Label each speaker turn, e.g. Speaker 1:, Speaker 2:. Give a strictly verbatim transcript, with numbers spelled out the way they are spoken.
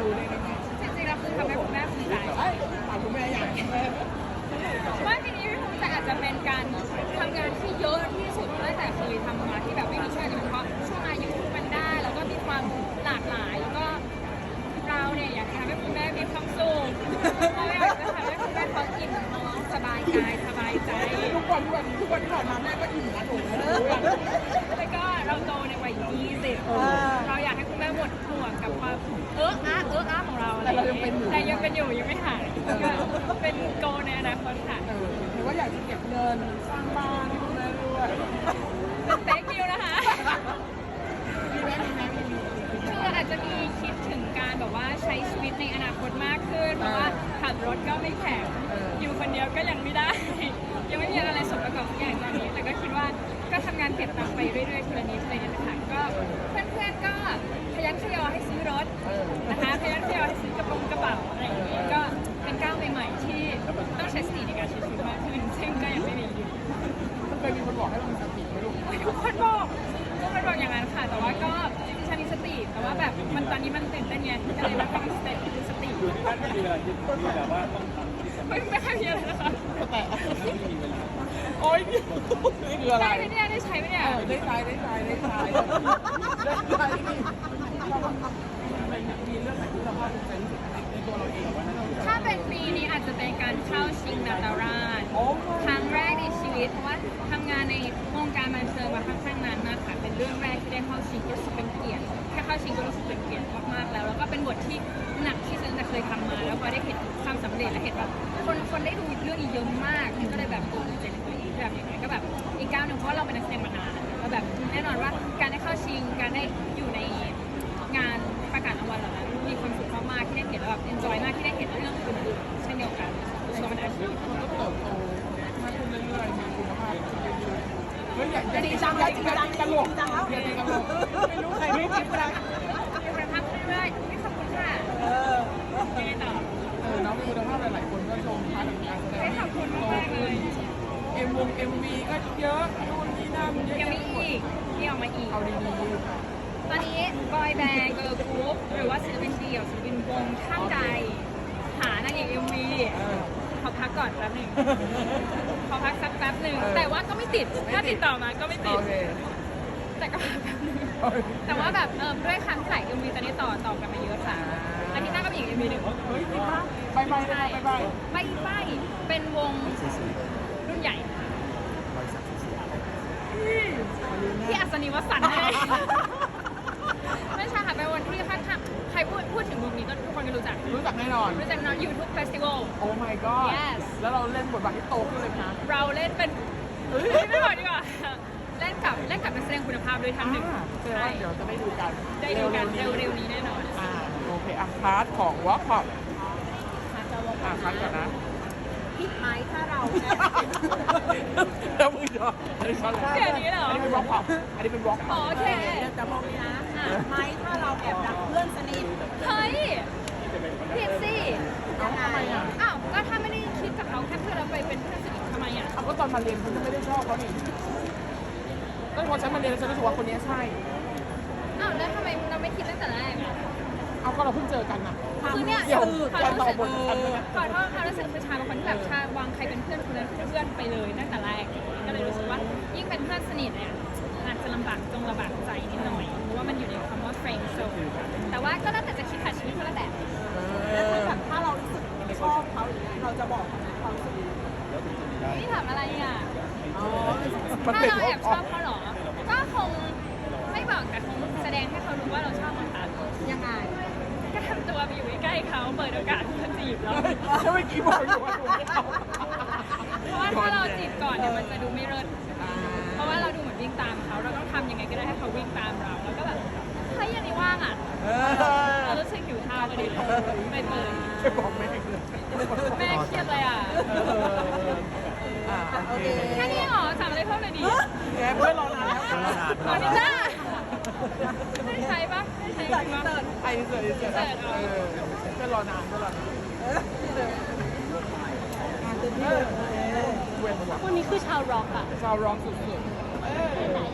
Speaker 1: รู้ได้ยังไง
Speaker 2: จริงๆแล้วคือทำให้คุณแม่ภูมิใจ
Speaker 1: เอ้ยถามคุณแม่อย่างแม่
Speaker 2: ว่าปีนี้พี่ภูมิใจอาจจะเป็นการทำงานที่เยอะที่สุดตั้งแต่เคยทำมาที่แบบไม่มีช่วงนี้เพราะช่วงอายุมันได้แล้วก็มีความหลากหลายแล้วก็เราเนี่ยอยากทำให้คุณแม่มีความสุขเราอยากจะทำให้คุณแม่เขาอิ่มท้องสบายกายสบายใจ
Speaker 1: ทุกวันทุกวันทุกวันที่ผ่านมาแม่ก็อิ่มนะถูกไหม
Speaker 2: แล้วก็เราโตในวัยยี่สิบเราอยากให้คุณแม่หมดห่วงกับความเอออาเอออาของเราอะไรอย่างเงี้ยแต่ยังเป็นอยู่ยังไม่หายก็เป็นโกในอนาคตค่ะ
Speaker 1: เออหรือว่าอยากจะเก็บเงินสร้างบ้านให้คุณแม่ด้วย
Speaker 2: เป็นเต็กนิวนะคะ
Speaker 1: มีแม่มีแม่มีมี
Speaker 2: คืออาจจะมีคิดถึงการแบบว่าใช้ชีวิตในอนาคตมากขึ้นเพราะว่าขับรถก็ไม่แข็งอยู่คนเดียวก็ยังไม่ได้ ยังไม่มีอะไรสมประกอบทุกอย่างตอนนี้แต่ก็คิดว่าก็ทำงานเก็บตังค์ไปเรื่อยๆทีละนิดทีละนิดนะคะก็เพื่อนๆก็พยันขยอให้ซื้อรถนะคะพยันขยอให้ซื้อกระโปรงกระเป๋าอะไรอย่างนี้ก็เป็นก้าวใหม่ๆที่ต้องใช้สติในการใช้ชีวิตมากขึ้นซึ่งก็ยังไม่มีอยู่
Speaker 1: มันเคยมีคนบอกให้เรามีสติไหมลูก
Speaker 2: ทุกคนบอกทุกคนบอกอย่างนั้นค่ะ แต่ว่าก็จริงๆฉันมีสติ แต่ว่าแบบมันตอนนี้มันตื่นเต้นไงก็เลยไม่ค่อยมีสติมีสติ
Speaker 3: ท่านไม่มีเวลาคิดมีแบบว่าต้องทำที่สำ
Speaker 2: ไม่
Speaker 3: คัญ
Speaker 2: ไม่ค่อยมีอะไรนะคะ
Speaker 1: แต่
Speaker 3: ไม่มีเวลา
Speaker 1: โอ๊ยนี่คืออะไร
Speaker 2: ได้ไหมเนี่ยได้ใช้ไหมเนี่ย
Speaker 1: เออได้ใจได้ใจได้ใจได้ใจมันมีเรื่องไหนที่เราภาคภูมิใจที่สุดในตัวเราเองว่านั่นคือ
Speaker 2: ถ้าเป็นปีนี้อาจจะเป็นการเข้าชิงนาตาราช
Speaker 1: โอ้
Speaker 2: ครั้งแรกในชีวิตเพราะว่าทำงานในวงการบันเทิงมาค่อนข้างนานมากค่ะเป็นเรื่องแรกที่ได้เข้าชิงก็รู้สึกเป็นเกียรติแค่เข้าชิงก็รู้สึกเป็นเกียรติมากๆแล้วแล้วก็เป็นบทที่หนักที่ฉันจะเคยทำมา แล้วพอได้เห็นความสำเร็จและเห็นแบบคนคนได้ดูเรื่องอีกเยอะมากก็เลยแบบภูมิใจในตัวเองแบบอย่างไรก็แบบอีกก้าวหนึ่งเพราะว่าเราเป็นนักแสดงมานานแล้วแบบแน่นอนว่าการได้เข้าชิงการได้อยู่ในงานประกาศรางวัลเหล่านั้นมีความสุขมากๆที่ได้เห็นแล้วแบบ enjoy มากที่ได้เห็นเรื่องอื่นๆเช่นเดียวกันรู้สึกว่ามันอาชีพ
Speaker 1: มันก็เติบโตมากขึ้นเรื่อยๆมีคุณภาพขึ้นเรื่อยๆเฮ้ยอย่าอย่าจริงจังอย่าจริงจังกันหลงอย่าจริงกันหลงไม่รู้ใครไม่คิดอะไร
Speaker 2: เป็นประทับเรื่อยๆไม่ขอบคุณค่ะ
Speaker 1: เออ
Speaker 2: ยังไงต่อ
Speaker 1: เออน้องมีคุณภาพหลายๆคนก็ชมพาร์ทของการแสดง
Speaker 2: ไม่ขอบคุณมากๆเลย
Speaker 1: เอ็มวงเอ็มวีก็เยอะนู่นนี่นั่นเยอะ
Speaker 2: ยัง
Speaker 1: แยะ
Speaker 2: มี
Speaker 1: ไปหมด
Speaker 2: อีกมีออกมาอีก
Speaker 1: เอาดี
Speaker 2: ตอนนี้บอยแบนด์เกิร์ลกรุ๊ปหรือว่าศิลปินเดี่ยวศิลปินวงท่านใดหานางเอกเอ็มวี
Speaker 1: ๆเออ
Speaker 2: ขอพักก่อนแป๊บหนึ่งขอพักสักแป๊บหนึ่งแต่ว่าก็ไม่ติดถ้าติดต่อมาก็ไม่ติ
Speaker 1: โอ
Speaker 2: ด
Speaker 1: เค
Speaker 2: แต่ก็พักแป๊บหนึงแต่ว่าแบบเออด้วยครั้งที่หลายเอ็มวีตอนนี้ต่อต่อกันมาเยอะค่ะอาทิตย์หน้าก็มีอีกเอ็มวีหนึ่ง
Speaker 1: เฮ้ยจริงปะไปไปไปไปไป
Speaker 2: ไม่ไม่เป็นวงรุ่นใหญ่ที่อัศนีวสันต์เลยไม่ใช่ค่ะเป็นวันที่ค่อนข้างใครพูดพูดถึงวงนี้ก็ทุกคนก็รู้จัก
Speaker 1: รู้จักแน่นอน
Speaker 2: รู้จักนอนยูทูบเฟสติวัล
Speaker 1: โอ้ my god
Speaker 2: Yes
Speaker 1: แล้วเราเล่นบทบาทที่โตขึ้นเลยนะ
Speaker 2: เราเล่นเป็นเฮ้ยไม่บอกดีกว่าเล่นกับเล่นกับนักแสดงคุณภาพด้วยท่านหนึ่ง
Speaker 1: อ่าแสดง
Speaker 2: ใช่
Speaker 1: ว่าเดี๋ยวจะได้ดูกัน
Speaker 2: ได้ดูกัน
Speaker 1: ๆนี้
Speaker 2: เร็วๆนี้แน่นอน
Speaker 1: อ่าโอเคอ่ะพาร์ทของวอล์กพอป
Speaker 2: อาจจะวง
Speaker 1: อ่ะพาร์ทก่อนนะ
Speaker 2: ผิดไหมถ้าเรา
Speaker 1: แล้วมึงยอมอันนี้ช็อต
Speaker 2: แค่นี้เหรอ
Speaker 1: อันนี้เป็นวอล์กพอปอันนี้เป็นวอล์กพ
Speaker 2: อ๋
Speaker 1: อ
Speaker 2: อ
Speaker 1: ป
Speaker 2: โอเค
Speaker 4: แต่มองนี้นะไหมถ้าเราแอบรักเพื่อนสนิท
Speaker 2: เฮ้ยผิดสิ
Speaker 1: เอ้าทำไมอ่ะ
Speaker 2: อ้าวก็ถ้าไม่ได้คิดกับเขาแค่เพื่อนเราไปเป็นเพื่อนสนิททำไมอ่ะ
Speaker 1: เอาก็ตอนมาเรียนคุณก็ไม่ได้ชอบเขานี่ก็พอฉันมาเรียนแล้วฉันรู้สึกว่าคนนี้ใช่
Speaker 2: อ้าวแล้วทำไมเราไม่คิดตั้งแต่แรกอ่ะ
Speaker 1: เอาก็เราเพิ่งเจอกันน่ะ
Speaker 2: คือเนี่ย
Speaker 1: เดี๋ยว
Speaker 2: ขอ
Speaker 1: จะ
Speaker 2: โท
Speaker 1: ต่อ
Speaker 2: ษ
Speaker 1: บทกันเลยนะ
Speaker 2: ขอโทษค่ะรู้สึกคือชาเป็นคนที่แบบชาวางใครเป็นเพื่อนคนนั้นเพื่อนไปเลยตั้งแต่แรกก็เลยรู้สึกว่ายิ่งเป็นเพื่อนสนิทเนี่ยอาจจะลำบากจงลำบากใจนิดหน่อยเพราะว่ามันอยู่ในคำว่า friend zone แต่ว่าก็แล้วแต่จะคิดค่ะชีวิตคนละแบบ
Speaker 4: แล้วถ้าแบบถ้าเรารู้สึกชอบเขาอย่างเงี้ยเราจะบอกเขาไหมความรู้สึก
Speaker 2: นี่ถามอะไรอ่ะ
Speaker 4: อ๋อ
Speaker 1: มัน
Speaker 2: ถ้า
Speaker 1: เป็น
Speaker 2: เรา
Speaker 1: วอ
Speaker 2: แอ
Speaker 1: ล์
Speaker 2: บ
Speaker 1: ก
Speaker 2: ช
Speaker 1: อ
Speaker 2: อ
Speaker 1: อบ
Speaker 2: เขาเหรอ ก็คงไม่บอกแต่คงแสดงให้เขารู้ว่าเราชอบเขา
Speaker 4: ยังไง
Speaker 2: ก็ทำตัวไปอยู่ใกล้ๆเขาเปิดโอกาสให้เขาจีบเรา
Speaker 1: แล้วเมื่อกี้บอกอยู่ว่าถูกไม่เอา
Speaker 2: เพราะว่าถ้าเราจีบก่อนเนี่ยมันจะดูไม่เลิศเพราะว่าเราดูเหมือนวิ่งตามเขาเราต้องทำยังไงก็ได้ให้เขาวิ่งตามเราแล้วก็แบบเฮ้ยอันนี้ว่างอ่ะ
Speaker 1: เอ
Speaker 2: เรา
Speaker 1: อ
Speaker 2: รู้สึกหิวข้าวพอดีไปเปิด
Speaker 1: ไม่บอกแม่เลย
Speaker 2: แม่เครียดเลยอ่ะ
Speaker 1: เอออ่าโอเค
Speaker 2: แค่นี้เหรอถามอะไรเพิ่มหน่อยดิ
Speaker 1: แกเพื่อนรอนานแล้ว
Speaker 2: ขอนิดจ้าไม่ได้ใช้ปะไม่ได้ใช้ปะ
Speaker 1: ไอ้เสือไอ้เสือ
Speaker 2: เสิร์ช
Speaker 1: เอ
Speaker 2: เอา
Speaker 1: อเพื่อนรอนานเพื่อนรอนาน
Speaker 4: งานเต็มที่เลย
Speaker 1: เว้นว่ะ
Speaker 2: พวกนี้คือชาวร็อกอ่ะ
Speaker 1: ชาวร้องสุด
Speaker 4: ไหน